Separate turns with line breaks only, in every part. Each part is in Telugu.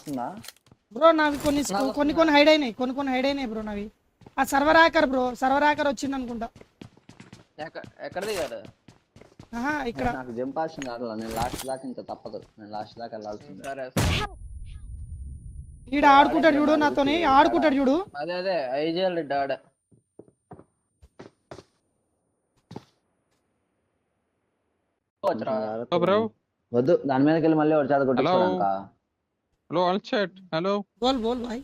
వస్తుందా
బ్రో నావి కొన్ని హైడ్ అయినాయి బ్రో నావి. ఆ server hacker bro, server hacker వచ్చింది అనుకుంటా.
ఎక్కడ దిగారు?
ఇక్కడ
నాకు జంప్ ఆప్షన్ రావట్లేదు. నేను లాస్ట్ దాకా ఇంకా తప్పదు, నేను లాస్ట్ దాకా వెళ్ళాల్సింది.
సరే
ఈడ ఆడుకుంటాడు చూడు, నాతోని ఆడుకుంటాడు చూడు.
అదే ఐజీఎల్ డాడ్
వద్దు, దాని మీదకి వెళ్ళి మళ్ళీ వచ్చాడు కొట్టించుకోవడానికా?
Hello, all chat. Hello.
Boll Bhai.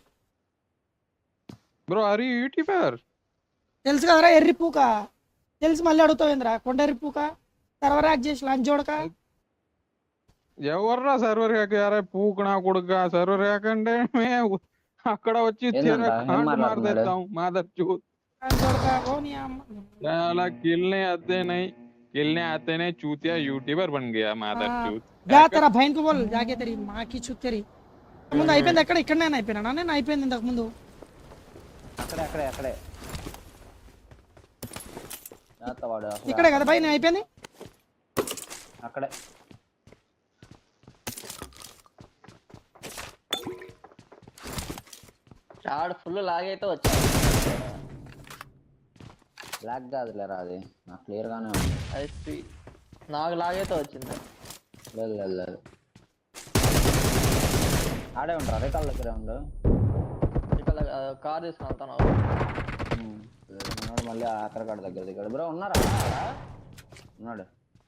Bro, are you YouTuber?
తెలుసు కదరా ఎర్రి పూక, తెలుసు మళ్ళీ అడుగుతావేంద్రా కొండ ఎర్రి పూక. సర్వర్ హ్యాక్ చేసి లంచ్ చూడక.
ఎవర్రా సర్వర్ హ్యాక్? యారా పూకనా కొడుక, సర్వర్ హ్యాక్ అంటే అక్కడ వచ్చి మాట్లాడతాం మాదర్ చూత్. किलने आते नहीं चूतिया यूट्यूबर बन गया मादर चूत.
जा तेरा बहन को बोल जाके तेरी माँ की चूत तेरी. ముందు అయిపోయింది ఎక్కడ? ఇక్కడనే అయిపోయినా నేను? అయిపోయింది ఇంతకు ముందు.
అక్కడే
ఇక్కడే కదా భయ్ నేను అయిపోయింది.
అక్కడే
చాడ్ ఫుల్ లాగైతే వచ్చాడు.
లాగ్ కాదులేరా, అది నాకు క్లియర్ గానే ఉంది.
అది నాకు లాగైతే వచ్చింది.
లేదు ఆడే ఉంటారు, అదే కాళ్ళ దగ్గరే ఉండు.
ఇక్కడ కార్ తీసుకుని వెళ్తాను.
మళ్ళీ ఆఖరికాడ దగ్గర దిగాడు. బ్రో ఉన్నారా? ఉన్నాడు.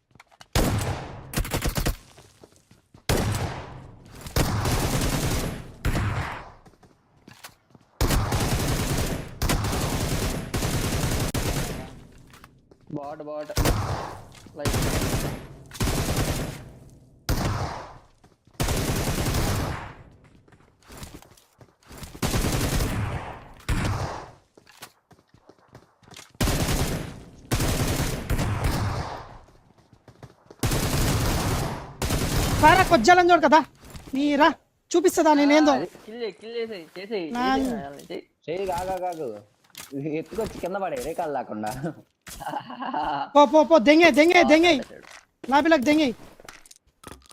బాట్ లైక్
సారా కొజ్జాలని చూడు కదా మీరా, చూపిస్తుందా నేనేందో.
చేయి కాదు, ఎత్తుకొచ్చి కింద పడే రే కాళ్ళు లేకుండా.
పో దెంగే లాబీలకు దెంగే.